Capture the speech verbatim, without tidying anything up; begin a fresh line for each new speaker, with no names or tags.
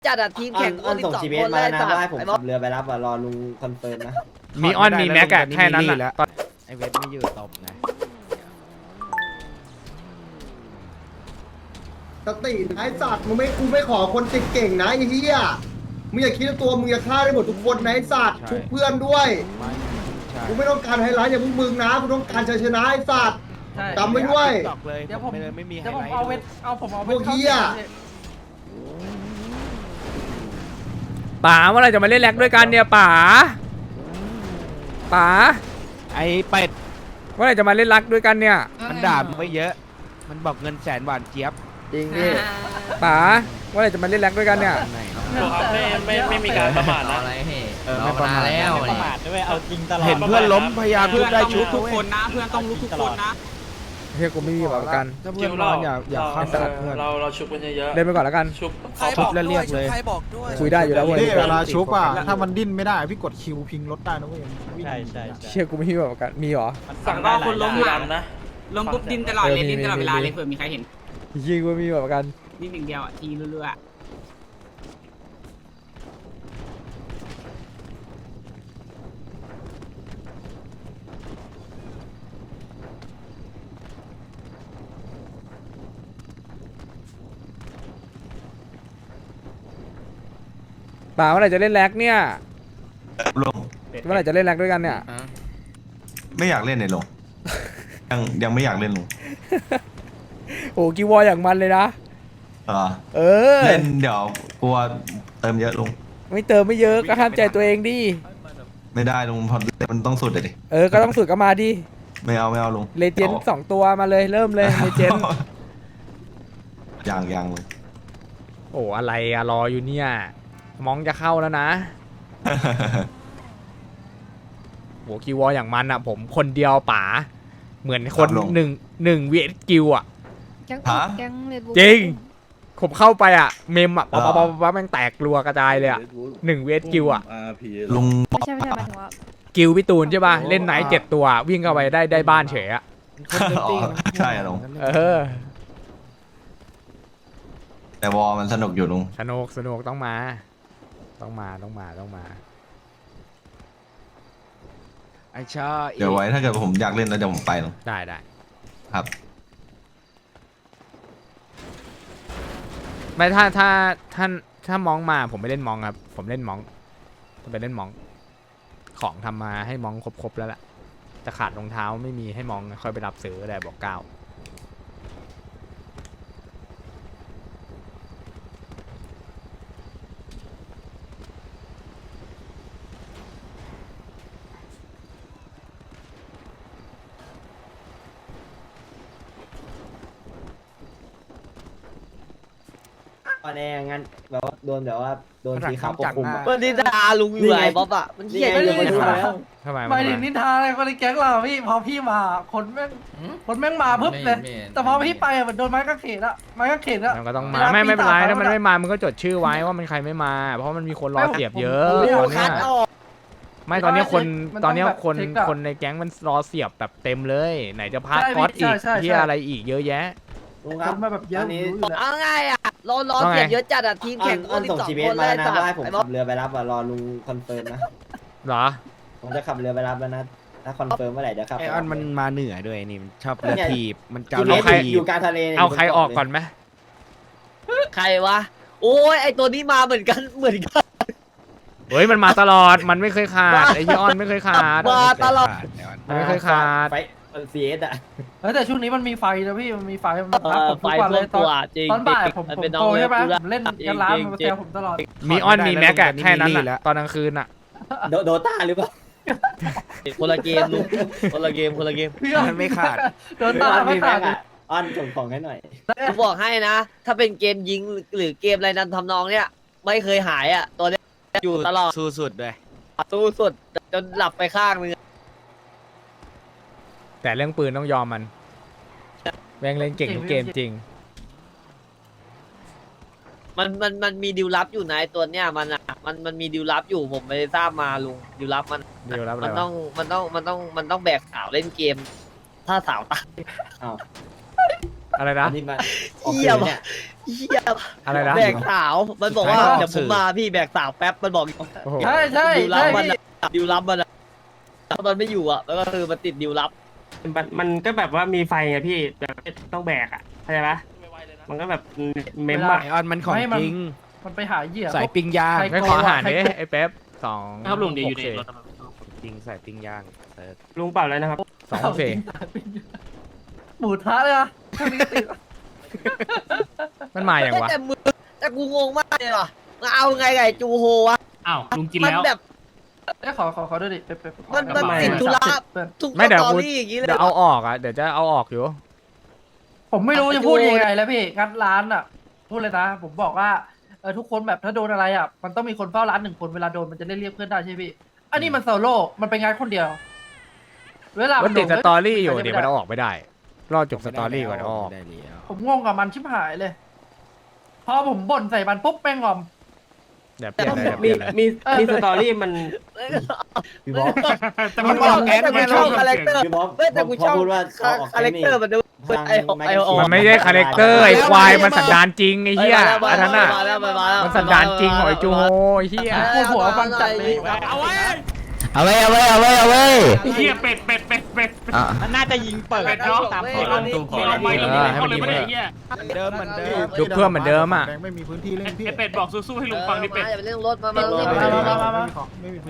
จัดอะทีมแข่ง
อ้อนส่ง
สิบสอง
ชีเบ
ค
ส
น
มา
ได้
แล้วนะ
สัต
ว่าให้
ว์
ผม
ไอ้บ๊อ
ขั
บบ
เรือไปรับอ่ะรอลุงคอนเฟิร์มนะ
มีออนมีแม็กอะแค่นั้น
แห
อะ
ละไอเวทไม่อยู่ตบนะ
สติไอ้สัตว์มึงไม่กูไม่ขอคนติดเก่งนะไอ้เหี้ยมึงอย่าคิดว่าตัวมึงจะฆ่าได้หมดทุกคนนะไอ้สัตว์ชุบเพื่อนด้วยกูไม่ต้องการไฮไลท์อย่างพวกมึงนะกูต้องการชัยชนะไอ้สัตว์จำไว้ด้วย
เดี๋ยวผมไม่มี
เดี๋ยวผมเอาเวทเอาผมเอา
พวกเหี้ย
ป๋าเมื่อไหรจะมาเล่นแร็กด้วยกันเนี่ยป๋าป๋า
ไอเป็ด
เมื่อไหรจะมาเล่นแร็กด้วยกันเนี่ย
มันด่ามึงไม่เยอะ มันบอกเงินแสนหวานเจี๊ยบ
จริงพี่
ป๋าเมื่อไหรจะมาเล่นแร็กด้วยกันเนี่ย
ไม่ไม่ไม่มีการประมาทนะ
อะไรเฮ้
เออไม่ประมาทแล้ว
ประมาทด้วยเอาจริงตลอด
เห็นเพื่อนล้มพยายามทุบได้ชุบ
ทุกคนนะเพื่อนต้องลุกทุกคนนะ
เฮียกูไม่มีแบบประกัน
ถ้าเพื่อนนอนอย่าอย่าฆ่าสัตว์เพื่อน
เราเราชุบกันเยอะ
เล่นไปก่อนแล้วกัน
ๆชุบ
ชุบแล้วเรียกเลย
คุยได้อยู่แล้วเว้ย
นี่เวลาชุบอ่ะถ้ามันดิ้นไม่ได้พี่กดคิวพิงรถได้นะเว้ย
ใช่ใช่
เชี่ยกูไม่มีแบบประกันมีเหรอ
สั่งได้คนล้มหลังนะ
ลงปุ๊บดินตลอดเลยดินตลอดเวลาเลยเผื่อมีใครเห็น
เฮียกูไม่มีแบบประกัน
นิดหนึ่งเดียวอ่ะทีเรื่อย
ป๋าเมื่อไหรจะเล่นแร็กเนี่ย
ลง
เมื่อไหรจะเล่นแร็กด้วยกันเนี่ย
ไม่อยากเล่นเลยลง ยังยังไม่อยากเล่นลง
โอ้กีวอลอย่างมันเลยนะ
เหรอ
เออ
เล่นเดี๋ยวกลัวเติมเยอะลง
ไม่เติมไม่เยอะก็ห้ามใจตัวเองดิ
ไม่ได้ลงพอมันต้องสุดเลยดิ
เออก็ต้องฝึกกันมาดิ
ไม่เอาไม่เอาลง
เลเจนด์สองตัวมาเลยเริ่มเลยเลเจนด์
ยังยังลง
โอ้อะไรอะรออยู่เนี่ยมองจะเข้าแล้วนะโหกีวอลอย่างมันอะผมคนเดียวป๋าเหมือนคนหนึ่งหนึ่งเวทกิวอะ
แก๊ง
ฮะ
แก๊งเรดบู
จริงผมเข้าไปอะเมมอะป๊อปป๊อปป๊อปป๊อปแม่งแตกรัวกระจายเลยอะหนึ่งเวทกิวอะ
ลุง
ไม่ใช่ไม่ใช่หมายถึงว่า
กิวพี่ตูนใช่ป่ะเล่นไนท์เจ็ดตัววิ่งเข้าไปได้ได้บ้านเฉยอะ
อ๋อใช่อะลง
เออ
แต่วอลมันสนุกอยู่ลุง
สนุกสนุกต้องมา ต้องมาต้องมาต้องมา
ไอชา
เดี๋ยวไว้ถ้าเกิดผมอยากเล่นแล้วเดี๋ยวผมไปลง
ได้ได้
ครับ
ไม่ถ้าถ้าท่านถ้ามองมาผมไม่เล่นมองครับ ผมเล่นมองจะไปเล่นมอง ของทำมาให้มองครบๆแล้วล่ะจะขาดรองเท้าไม่มีให้มองค่อยไปรับซื้อได้บอกเก้า
ตอนแรกงั้นแบบว่าโดนแบบว่าโดนสีขาวปกคลุมอะ
มันนินทาลุงอยู่ไอ้บ๊อบอะมัน
นี่
เหี้ย
ไง
อ
เดี๋ย
ยู่
วมาดูมาแล้ว
ทำไม
ไม่ถึงนินทาอะไรคนในแก๊งเราพี่พอพี่มาคนแม่งคนแม่งมาปุ๊บเลยแต่พอพี่ไปอะมันโดนไม้กางเขนอะไม้กางเขนอะ
มันก็ต้องมาไม่ไม่เป็นไรถ้ามันไม่มามึงก็จดชื่อไว้ว่ามันใครไม่มา เพราะมันมีคนรอเสียบเยอะ
โอ้
ตอนเนี้
คั
ย
ดออก
ไม่ตอนเนี้ยคน
มันต้อง
ตอนเนี้ยคน
แบบเช็คอะ
คนในแก๊งมันรอเสียบแบบเต็มเลย ไหนจะพาร์ท
ใช่
คอสอีก
ใช่ใช่
ที่อะไรอีกเยอะแยะ
ลุง
ค
ครับ
นมาแบบเยอะ
อันนี้
รู้อยู่แล้ว
เอาง่ายอะรอรอ
ว่าไง
เสียบเยอะจัดอะทีม
อ้อ
แข่
น
ง
อ้อน
สิ
ส่ง
บสอง
ชีเบ
ค
ส
น
มา
ได้
แล้วนะ
สัต
ว่าให้
ว์
ผม
ไอ้บ๊อ
ขั
บบ
เรือไปรับอ่ะรอลุงคอนเฟิร์มนะ
เหรอ
ผมจะขับเรือไปรับแล้วนะถ้าคอนเฟิร์มเมื่อไหร่เดี๋ยวขับ
ไอออนมันมาเหนือด้วยนี่มันชอบเรือทีบมัน
จ
เการ
ริ
เรื
ง
อ
ใคร
ที
อบ ยู่กลางทะเลนี่ย
เอาใครออกก่อนไหม
ใครวะโอ้ยไอตัวนี้มาเหมือนกันเหมือนกัน
เฮ้ยมันมาตลอดมันไม่เคยขาดไอ้ยี่ออนไม่เคยขาด
มาตลอด
มันไม่เคยขาด
ไฟซีเอสอ่ะ
เฮ้ยแต่ช่วงนี้มันมีไฟนะพี่มันมีไฟมัน
เอ
พัก
อ
ผม
ไฟ
ทุกวัน
พ
เล
วย ก
ตอ
ตัวน จริง
ตอนบ่ายผม
มัน
ผม
เป็นน้
โต
อง
ใช่ไหม
เล็ก
ผมเล่นกันร้านมันมาแซวผมตลอด
มีออนมีแม็กอะแค่นั้นอะตอนกลางคืนอะ
โดโดต้าหรือเปล่า
คนละเกมลุงคนละเกมคนละเกม
พี่
มันไม่ขาด
โดนตา
อ้อน
ไม่
มี
ขา
แม็
ด
กอ่ะอ้อนส่งของให้หน่อย
ผมบอกให้นะ ถ้าเป็นเกมยิงหรือเกมอะไรนั้นทำนองเนี้ยไม่เคยหายอ่ะ ตัวเนี้ยอยู่ตลอด
สู้สุดด้วย
สู้สุดจนหลับไปข้างนึง
แต่เรื่องปืนต้องยอมมันแม่งเล่นเก่งทุกเกมจริง
มันมันมันมีดิวลับอยู่นะไอ้ตัวเนี้ยมันอ่ะมันมันมีดิวลับอยู่ผมไม่ได้ทราบมาลุงดิวลับมัน
ดิวลับอะไรวะ
มันต้องมันต้องมันต้องมันต้องแบกสาวเล่นเกม ถ้าสาวตาย
อ้าว
อะไรนะ
อันนี้มันออก
เหี้ย
สื่อเนี่ย
เหี้ย
อะไรนะ
แบกสาวมันบอกว่า
ใช่
เดี๋ยวผมมาพี่แบกสาวแป๊บมันบอก
โอ้โห
ใช่ใช่
ดิวลั
ใช่
บมัน
พี่
อะดิวลับมันอะถ้ามันไม่อยู่อะแล้วก็คือมันติดดิวลับ
มันมันก็แบบว่ามีไฟไงพี่แบบต้องแบกอ่ะเข้าใจปะมันก็แบบเมม
ไอ
อะ
ออนมันของจริง
มันไปหาเหยื่อ
ใส่ปิ้งย่าง
ใคร
ไม่ขออาหารดิไอ้เป๊ปสอง
ครับลุงดีอยู่ดี
หก
รถ
จริงใส่ปิ้งย่างเซิร์ช
ลุงเปล่าแล้วนะครับ
สองสี่
หมูทะเลยอะ
มันมาอย่างวะ
แต่มือแต่กูงงมากเลยว่ะมันเอาไงไก่จูโฮวะ
อ้าวลุงกิน
มัน
แล้ว
แบบ
เอ้ยขอขอขอด้วยดิเป๊ะๆ
มันมัน
ขอ
ติดธุระ
เพื่อน
ทุก
ไม่เดี๋ยว
สตอ
กู
รี่อย่างงี้เลย
เดี๋ยวเอาออกอ่ะเดี๋ยวจะเอาออกอยู่
ผมไม่รู้จะพูดยังไงแล้วพี่งัดร้านอ่ะพูดเลยนะ ผมบอกว่าเออทุกคนแบบถ้าโดนอะไรอ่ะมันต้องมีคนเฝ้าร้านหนึ่งคนเวลาโดนมันจะได้เรียกเพื่อนได้ใช่ไหมพี่อันนี้มันโซโล่มันเป็นงานคนเดียว เวลา
มั
มัน
ติดส
โน
ตอรี่อยู่
ใค
เดี๋ยว
จะ
มัน
ไ
เอาออกไม่ได้ รอจบสตอรี่ก่อนเอาออก
ไม่ได้แล้ว
ผมงงกับมันชิบหายเลย พอผมบ่นใส่มันปุ๊บแม่งงอม
เดี๋ยวเปลี่ยนเลยเดี๋ยวเป
มี
ลี่ยนเลย
มีมีสตอรี่มัน
พี่บ๊อบ
แต่มันบอกแก๊ส
แต่กู
ไม่
ช
ช
อ
อ
บบ คาแรคเตอร์
พี่บ๊อบ
เว้ยแต่กู
พอ
ชอบ
พูดว่า
คา
ออก
คาแรคเตอร์มันดู
ทาง
ไอโอไอโอ
มันไม่ใช่คาแรคเตอร์ไอ้ควายมันสันดานจริงไอ้เหี้ยอันนั้นอ่ะ
มาแล้วมาแล้ว
มันสันดานจริงของไอ้จูโฮไอ้เหี้ย
ปวดหัวฟังจัดเลย
เอาไว้
เอาไว้เอาไว้เอาไว้เอาไว้
เฮียเป็ดเป็ดเป็ดเป็ด
อ่ะ
มันน่าจะยิงเปิด
เป็ดเนาะ
ตาม
ไม่
ขอ
ล
ง
งไม่ลงไม่ลงเขาเลยไม่ได้เฮีย
เดิมเหมือนเดิม
ดูเพื่อนเหมือนเดิมอ่ะ
แดงไม่มีพื้นที่เล่นพี่
ไอเป็ดบอกสู้ๆให้ลุงฟังดิเป็ด
อย่าไปเรื่องรถมามา
ไม่
มา
มี
มามา
ของไม่มีพื้น